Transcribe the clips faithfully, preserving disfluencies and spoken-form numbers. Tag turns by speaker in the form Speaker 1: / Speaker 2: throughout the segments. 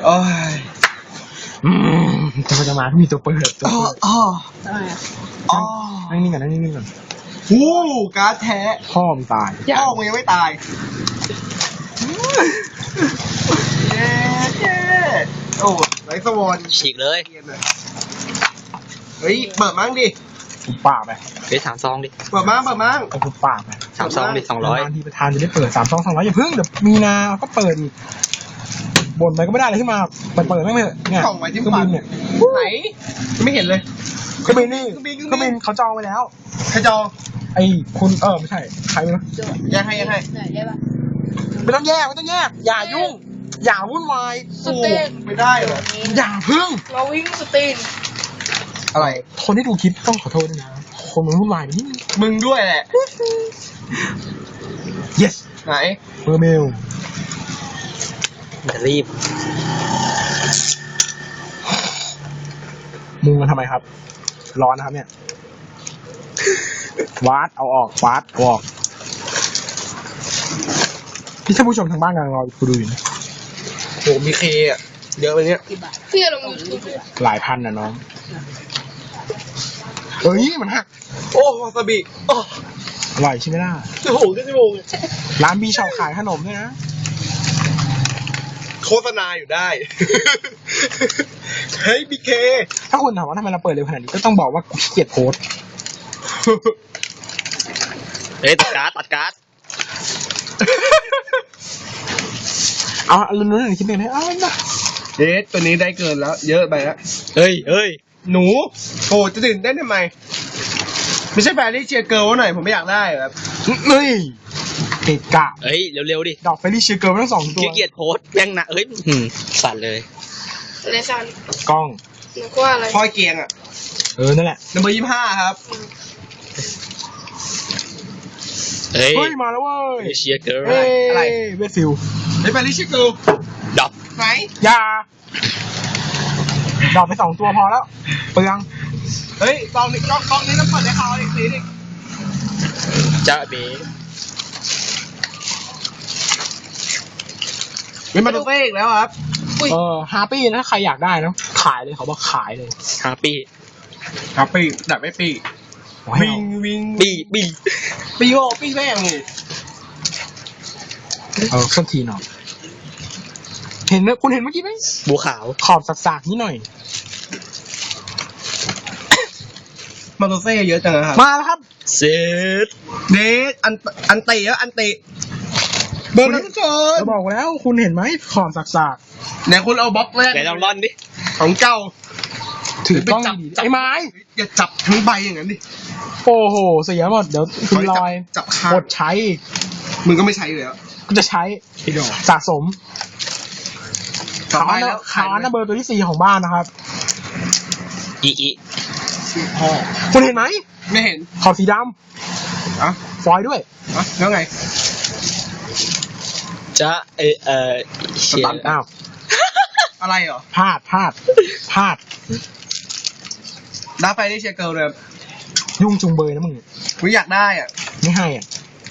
Speaker 1: โอ้ย
Speaker 2: อืมจะมาจะมามีตัวเปิดตัว
Speaker 1: อ๋อ
Speaker 2: เปิด
Speaker 1: อ๋อ
Speaker 3: ทำไมอ่ะ
Speaker 1: อ๋อ
Speaker 2: นั่งนิ่งก่อนนั่งนิ่งก่อน
Speaker 1: หูการ์ดแท้
Speaker 2: พ่อมงตาย
Speaker 1: พ่อมึงยังไม่ตายเย้เย้โอ้ไรสวอน
Speaker 4: ฉีกเลย
Speaker 1: เฮ้ยเปิดมั้งดิ
Speaker 2: ปุบปากไป
Speaker 4: เฮ้ยสามซองดิ
Speaker 1: เปิดมั้งเปิดมั้ง
Speaker 2: เอาปุบปากไป
Speaker 4: สามซองดิสองร้อย
Speaker 2: นานทีประธานจะได้เปิดสามสองสองร้อยอย่าเพิ่งเดี๋ยวมีนาก็เปิดอีกบ่นไปก็ไม่ได้อะไรขึ้นมาเปิดเปิดไม่เถอะเนี่ย
Speaker 1: กล่องไว้ที่
Speaker 2: เครื่อง
Speaker 1: ฟั
Speaker 2: บิ
Speaker 1: น
Speaker 2: นเนี่ย
Speaker 1: ไหนไม่เห็นเลย
Speaker 2: เครื่องบินนี่
Speaker 1: เครื่องบิน
Speaker 2: เครื่องบินเขาจองไว้แล้ว
Speaker 1: ใครจอง
Speaker 2: ไอ้คุณเออไม่ใช่ใครนะ
Speaker 3: โจทย์
Speaker 1: ยังให้ยังให้
Speaker 3: ไหนได้ปะ
Speaker 2: ไม่ต้องแยกไม่ต้องแยกอย่ายุ่ง อย่าวุ่นวาย
Speaker 3: สเตน
Speaker 1: ไม่ได้เหรอ
Speaker 2: อย่าพึ่ง
Speaker 3: เราวิ่งสเตน
Speaker 1: อะไร
Speaker 2: คนที่ดูคลิปต้องขอโทษด้วยนะคนมันวุ่นวายแบบนี้
Speaker 1: มึงด้วยแหละ
Speaker 2: yes
Speaker 1: ไหน
Speaker 2: เมอร์เมล
Speaker 4: จะรีบ
Speaker 2: มึงมันทำไมครับ ร้อนนะครับเนี่ย วาดเอาออกวาดเอาออกที่ท่านผู้ชมทางบ้านกำลังรอกูดูอยู่นะ
Speaker 1: โหมีเคอ่ะเยอะไปเนี้ย
Speaker 3: กี่บาทพี่ลงยูทูบ
Speaker 2: หลายพันนะน้องเฮ้ยมันหัก
Speaker 1: โอ้วาซาบิโอ้
Speaker 2: อร่อยใช่ไหมล่ะ
Speaker 1: โอ้โหขึ้นชั่วโมง
Speaker 2: ร้านบีชอบขายขนมด้วยนะ
Speaker 1: โฆษณาอยู่ได้ เฮ้ยบีเค
Speaker 2: ถ้าคุณถามว่าทำไมเราเปิดเร็วขนาดนี้ก็ต้องบอกว่ากูขี้เกียจโพสต์
Speaker 4: เฮ้ยตัดการ์ดตัดการ์ด
Speaker 2: เอาลุ้นๆหน่อยคิดหนึ่งนะเอาละ
Speaker 1: เอ๊ะตัวนี้ได้เกินแล้ว เยอะไปแล้ว
Speaker 4: เฮ้ยเฮ้ย
Speaker 1: หนูโอ้จะตื่นเต้นทำไม ไม่ใช่แฟนที่เชียร์เกิร์ลหน่อย ผมไม่อยากได้แบบ
Speaker 2: เฮ้ยเกะกะ
Speaker 4: เฮ้ยเร็วๆดิ
Speaker 2: ดอกเฟรลี่เชียร์เกิร์ลทั้งสองตัว
Speaker 4: ขี้เกียจโพสต์แม่งหนะเฮ้ยหืมสั่นเลย
Speaker 3: อะไรซัน
Speaker 2: กล้อง
Speaker 3: นึกว่าอะไร
Speaker 1: พลอยเกียงอ่ะ
Speaker 2: เออ นั่นแหละ
Speaker 1: นัมเบอร์ยี่ห้าครับ
Speaker 4: เฮ้ย
Speaker 2: เฮ้ย มาแล้วเว้ย
Speaker 4: เชียร์เกิร์ล
Speaker 2: เฮ้ย
Speaker 1: อะไร
Speaker 2: เวสฟิล
Speaker 1: เฮ้ยแฟนที่เชียร์เกิร์ล
Speaker 4: ดับ
Speaker 1: ไหน
Speaker 2: ยาดอกไปสองตัวพอแล้ว เปลือง
Speaker 1: เฮ้ยกองนี้กองกองนี้ต้องเปิดให้เขาอีกทีนึง
Speaker 4: จ้าเบ๋
Speaker 1: เป็นมาโตเต้อีกแล้วครับ
Speaker 2: เออฮาปี้นะใครอยากได้นะ ขายเลยเขาบอกขายเลย
Speaker 4: ฮาปี้
Speaker 1: ครับปีแต่ไม่ปี
Speaker 2: โอ้ย
Speaker 1: วิ่งวิ่ง
Speaker 4: บีบี
Speaker 1: ปีโอปีแม่งนี่
Speaker 2: เออเครื่องทีหน่อยเห็นไหมคุณเห็นเมื่อกี้ไหม
Speaker 4: บัวขาว
Speaker 2: ขอบสักๆนิดหน่อย
Speaker 1: มาโตเต้เยอะจังนะครับ
Speaker 2: มาแล้วครับ
Speaker 4: เซต
Speaker 1: เดทอันอันเตะแล้วอันเตะเบอร์นั้นเกิน
Speaker 2: จะบอกแล้วคุณเห็นไหมขอบสัก
Speaker 1: ไหนคุณเอาบล็อกแรก
Speaker 4: ไหนลองร่อนดิ
Speaker 1: ของเก่า
Speaker 2: ๆถือกล้องดีๆไอ้ไม้
Speaker 1: อย่าจับทั้งใบอย่างนั้นดิ
Speaker 2: โอ้โห เสียหมด เดี๋ยวคุณลอย
Speaker 1: จับข้าง
Speaker 2: กดใช้อีก
Speaker 1: มึงก็ไม่ใช้อยู่แล้ว
Speaker 2: ก็จะใช้
Speaker 1: พี่ดอก
Speaker 2: สะสม
Speaker 1: ต่อ
Speaker 2: ขา
Speaker 1: ไป
Speaker 2: น
Speaker 1: แล้ว
Speaker 2: ขานะเบอร์ตัวที่สี่ของบ้านนะครับ
Speaker 4: อีอี
Speaker 1: พ่อ
Speaker 2: คุณเห็นไหม
Speaker 1: ไม่เห็น
Speaker 2: ขอบสีด
Speaker 1: อ่ะ
Speaker 2: ำฟอยล์ด้วย
Speaker 1: อ่ะแล้วไง
Speaker 4: จ้าเออเออเชีย
Speaker 2: ตัด
Speaker 4: ร์
Speaker 2: อ้าว
Speaker 1: อะไรเหรอ
Speaker 2: พลาดพลาดพลาด
Speaker 1: ดับไฟได้เชียร์เกิร์ลเลย
Speaker 2: ยุ่งจุงเบยนะมึง
Speaker 1: กูอยากได้อ่ะ
Speaker 2: ไม่ให้อ่ะ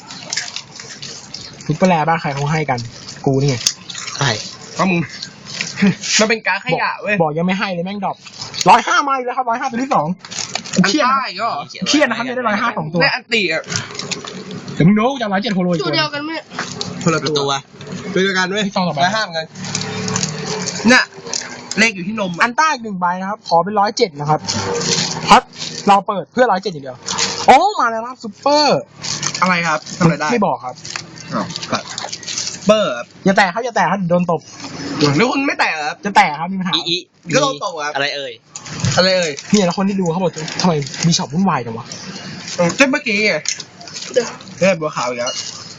Speaker 2: ฟิกเปอร์แลบ้านใครเขาให้กัน กูนี่ไง
Speaker 4: ใช่
Speaker 1: ก็มึง มันเป็นการดขยะเว้ย
Speaker 2: บอกยังไม่ให้เลยแม่งดรอปร้อยห้ามาอีกแล้วครับร้อยห้าตัวที่สองกู
Speaker 1: อัน
Speaker 2: เครียด
Speaker 1: ใต้
Speaker 2: นะ
Speaker 1: ก็เหรอ
Speaker 2: เครียดนะครับจะได้ร้อยห้าสองตัว
Speaker 1: ได้อันตีอ่ะ
Speaker 2: เดี๋ยวมึงโน้จะร้อยเจ็ดโฮโลอีก
Speaker 3: ตั
Speaker 2: ตัว ว
Speaker 3: เดียวกันไหม
Speaker 1: คนละ
Speaker 4: ตัว
Speaker 1: ตัวตัวเดียวกันเว้ย
Speaker 2: ที่ซองต่อไป
Speaker 1: ร้อยห้าเหมือนกันเนี่ยเลขอยู่ที่นม
Speaker 2: อั
Speaker 1: อ่ะ
Speaker 2: นใต้อีกหนึ่งใบนะครับ ขอเป็นร้อยเจ็ดนะครับเพราะเราเปิดเพื่อร้อยเจ็ดอย่างเดียวโอ้มาแล้วนะครับซุปเปอร์
Speaker 1: อะไรครับทำอะไรได้
Speaker 2: ไม่บอกครับ
Speaker 1: อ้าวตัดเบอร์ครับ
Speaker 2: อย่าแตะครับอย่าแตะครับเดี๋ยวโดนตบ
Speaker 1: แล้วคุณไม่แตะเหรอครับ
Speaker 2: จะแตะครับมีปัญหา
Speaker 4: อีอี
Speaker 1: ก็ลงตรงครับ
Speaker 4: อะไรเอ่ย
Speaker 1: อะไรเอ่ย
Speaker 2: เนี่ยแล้วคนที่ดูเขาบอกทำไมมีช็อปวุ่นวายจังวะ
Speaker 1: เออเจ้าเมื่อกี้ไง
Speaker 3: เดี๋ยว
Speaker 1: เฮ้ยบัวขาวอีกแล้ว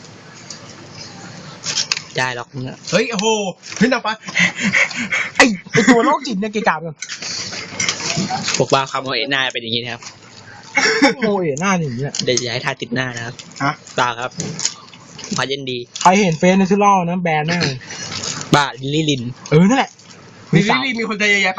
Speaker 4: ได้หรอกมึงอะ
Speaker 1: เฮ้ยโอ้โหเฮ้ยนับปะ
Speaker 2: ไอไอตัวโรคจิตเนี่ยเกะกะกัน
Speaker 4: พวกบ้าคำว่าเอ็นหน้าเป็นอย่างนี้นะครับ
Speaker 2: โมเอหน้าอย่างนี้แหละ
Speaker 4: เดี๋ยวจะให้ทาติดหน้านะครับ
Speaker 1: ฮะ
Speaker 4: ตาครับพาเย็นดี
Speaker 2: ใครเห็นเฟซในทูลนะแบนแน่เลย
Speaker 4: บ้าลิลลี่ลิน
Speaker 2: เออนั่นแหละ
Speaker 1: มี
Speaker 2: มี
Speaker 1: ลิ
Speaker 2: สาว
Speaker 1: ลี่มีคนใจเยอะแยะไป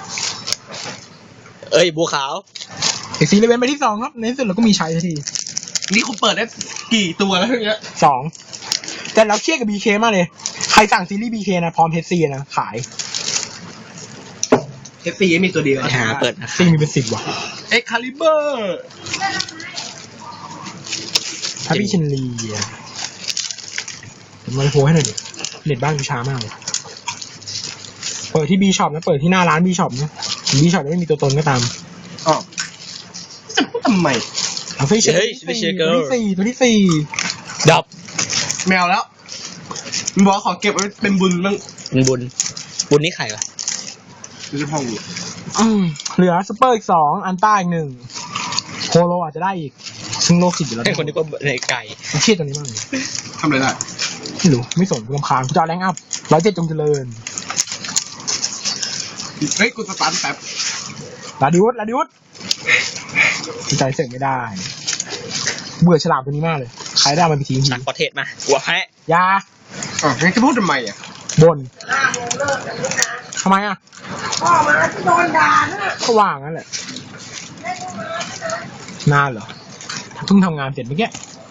Speaker 4: เอ้ยบัวขาว
Speaker 2: เอกซีเลเวนไปที่สองครับในที่สุดเราก็มีใช้สักที
Speaker 1: นี่คุณเปิดได้กี่ตัวแล้วเนี่ย
Speaker 2: สองแต่เราเครียดกับบีเคมากเลย ใครสั่งซีรีส์บีเคนะพร้อมเฮดซีนะขาย
Speaker 1: เอฟซีมีตัวเดียว
Speaker 4: หาเปิดนะ
Speaker 2: ซีมีเป็นสิบว่ะ
Speaker 1: เอ็กคาลิเบอร์
Speaker 2: ถ้าพี่ชินลีอะผมมาโพสให้หน่อยดิเน็ตบ้านกูช้ามากเลยเปิดที่บีช็อปนะเปิดที่หน้าร้านบีช็อปนะบีช็อปไม่มีตัวตนก็ตาม
Speaker 1: อ๋อจะพูดทำไม
Speaker 2: เอาฟิชเชอร์ตัวที่สี่ตัวที่สี่
Speaker 4: ดับ
Speaker 1: แมวแล้วมันบอกขอเก็บไว้เป็นบุญบ้าง
Speaker 4: บุญบุญบุญนี่ใครวะ
Speaker 1: ไม่ใช่พ่อกู
Speaker 2: อืมเหลือซูเปอร์อีกสองอันต้าอีกหนึ่งโฮโลอาจจะได้อีกซึ่งโลกสิบอยู่แล้ว
Speaker 4: ไอ้คนนี้ก็ในไก่
Speaker 2: มันเครียดตัวนี้มากเลย
Speaker 1: ทำอะไรได้
Speaker 2: ไม่รู้ไม่สนกูรำคาญกูจะเอาแรงอัพร้อยเจ็ดจงเจริญ
Speaker 1: เฮ้ยกูสตาร์ทแป๊บ
Speaker 2: ลาดิวุฒลาดิวุฒใจเสกไม่ได้เบื่อฉลามตัวนี้มากเลยใครได้มันไปทิ้งที
Speaker 4: ตักประเทศมาหัวแพะ
Speaker 2: ยา
Speaker 1: อ๋องั้นจะพูดทำไมอ่ะ
Speaker 2: บนทำไมอ่ะพ่อมาโดนด่าก็ว่างนั่นแหละนานเหรอเพิ่งทำงานเสร็จเมื่อกี้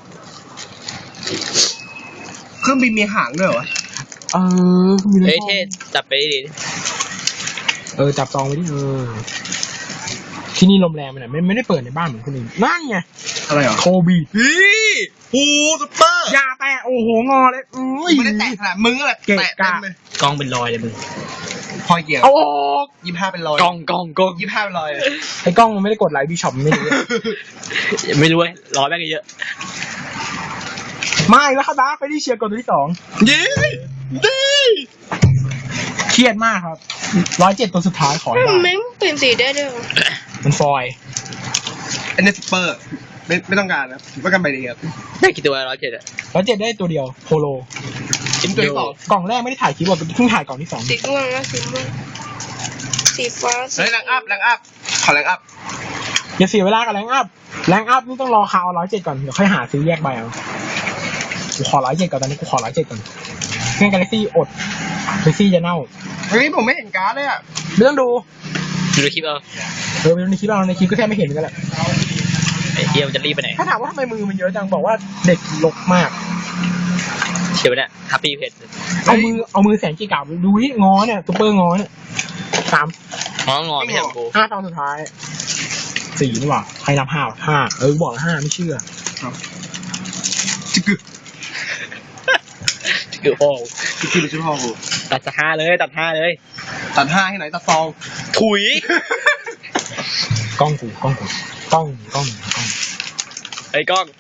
Speaker 1: เครื่องบินมีหางด้วยเหรอ
Speaker 2: เออมี
Speaker 4: เฮ้ยเทศจับไปดิ
Speaker 2: เออจับจองไว้ดิเออที่นี่ลมแรงไปหน่อยไม่ไม่ได้เปิดในบ้านเหมือนคนอื่นนั่นไง
Speaker 1: อะไรเหรอ
Speaker 2: โคบี
Speaker 1: พี่ฮูซุปเปอร์
Speaker 2: ยาแตะโอ้โหงอเลยอุ้ย
Speaker 1: ไม่ได้แตะขนาดมึงอะไร
Speaker 2: เกะ
Speaker 1: แตะ
Speaker 2: กะ
Speaker 1: เต็มเลย
Speaker 4: กล้องเป็นรอยเลยมึง
Speaker 1: พอเกี่ยว
Speaker 2: เอาออก
Speaker 1: ยี่ห้าเป็นรอย
Speaker 4: กล้องกล้องกล้อง
Speaker 1: ยี่ห้าเป็นรอยเลย
Speaker 2: ไอ้กล้องมันไม่ได้กดไลค์บีช็อปมันไม่รู้
Speaker 4: ไม่รู้เลยร้อยแม่งเยอะ
Speaker 2: ไม่แล้วเขาดาร์กไปที่เชียร์กดตัวที่สอง
Speaker 1: ยี่ยี่
Speaker 2: เครียดมากครับร้อยเจ็ดตัวสุดท้ายขอให้ได้
Speaker 3: แม่งเปลี่ยนสีได้ด้วยเหรอ
Speaker 2: มันฟอยล์
Speaker 1: อันนี้ซุปเปอร์ไม่ไม่ต้องการนะผมต้องการใบเดียว
Speaker 4: ได้กี่ตัวร้อยเจ็ดอะ
Speaker 2: ร้อยเจ็ดได้ตัวเดียวโฮโล
Speaker 1: ชิ้นตัวที่สอง
Speaker 2: กล่องแรกไม่ได้ถ่ายคลิปว่าเพิ่งถ่ายกล่องที่สอง
Speaker 3: สีม่วงแล้วสีม่วงสีฟ้าสี
Speaker 1: เฮ้ยแรงอัพแรงอัพขอแรงอัพ
Speaker 2: อย่าเสียเวลากับแรงอัพแรงอัพนี่ต้องรอคาวร้อยเจ็ดก่อนเดี๋ยวค่อยหาซื้อแยกใบเอากูขอร้อยเจ็ดก่อนตอนนี้กูขอร้อยเจ็ดก่อนเงื่อนกาแล็กซี่อดกาแล็กซี่จะเน่า
Speaker 1: เฮ้ยผมไม่เห็นการ์ดเลยอ่ะ
Speaker 2: ไม่ต้องดู
Speaker 4: ดูในคลิปเอา
Speaker 2: เออในคลิปเราในคลิปก็แทบไม่เห็นเหมือนกันแหละ
Speaker 4: ไอ้เฮียมันจะรีบไปไหน
Speaker 2: ถ้าถามว่าทำไมมือมันเยอะจังบอกว่าเด็กลกมาก
Speaker 4: เชียวเนี่ยฮัปปี้เพจ
Speaker 2: เอามือเอามือแสนจีกาบดูที่งอเนี่ยซุปเปอร์งอเนี่ยสาม
Speaker 4: งองอไม่ใช่ของกู
Speaker 2: ห้าตอนสุดท้ายสี่นี่หว่าใครนับห้าห้าเออบอกแล้วห้าไม่เชื่อ
Speaker 1: จิกกึ
Speaker 4: คือโอ้
Speaker 1: จิกกึเป็นชื่อพ่อกู
Speaker 4: ตัดห้าเลยตัดห้าเลย
Speaker 1: ตัดห้าให้ไหนตัดซอง
Speaker 4: ถุย
Speaker 2: กล้องกูกล้องกูกล้องกล้องกล้อง
Speaker 4: ไอ้กล้อง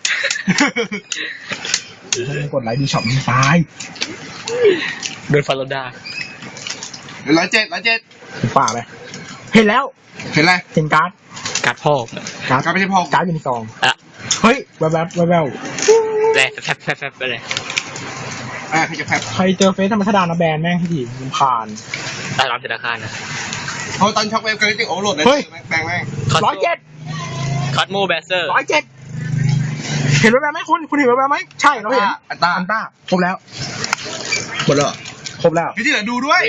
Speaker 2: ถ้าไม่กดไลค์ดีช็อปมันตาย
Speaker 4: โดนฟาโลดา
Speaker 1: ร้อยเจ็ดร้อยเจ็ด
Speaker 2: ถึงป่าไปเห็นแล้ว
Speaker 1: เห็นอะไร
Speaker 2: เห็นการ์ด
Speaker 4: กัดพ่อ
Speaker 2: การ์ด
Speaker 1: การ์ดไม่ใช่พ่อกู
Speaker 2: การ์ดอยู่ในซอง
Speaker 4: อะ
Speaker 2: เฮ้ยแวบแวบแวบแวบ
Speaker 4: แร่แฟบแฟบแฟบไปเลย
Speaker 1: อ่าใครจะแพ้
Speaker 2: ใครเจอเฟซธรรมชดานะแบนแม่งที่ดีมันผ่าน
Speaker 4: ตายร้านธนาคารนะ
Speaker 1: เพราะตอนช็อกเวฟกันจริงโอ้โหลดเลย
Speaker 2: เฮ้ย
Speaker 1: แบงแม่ง
Speaker 2: ร้อยเจ็ด
Speaker 4: คอสโมแบสเซอร์
Speaker 2: ร้อยเจ็ดเห็นแวบแวบไหมคุณคุณเห็นแวบแวบไหมใช่เราเห็น
Speaker 1: อันต้า
Speaker 2: อันต้าครบแล้ว
Speaker 1: หมดแล้วเหรอ
Speaker 2: ครบแล้ว
Speaker 1: พี่ที่เหลือดูด้วย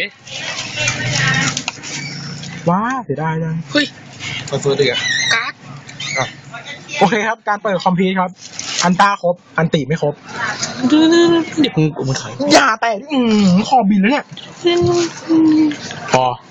Speaker 2: ว้าเสียดายจัง
Speaker 4: เฮ้ย
Speaker 1: มาซื้อดีอ่ะ
Speaker 3: การ์ด
Speaker 2: โอเคครับการเปิดคอมพิวต์ครับ อันต้าครบอันติไม่ครบ
Speaker 4: เดี๋ยวมึงมึงถอย
Speaker 2: อย่าแต่อืมคอบินแล้วเนี่ยพอ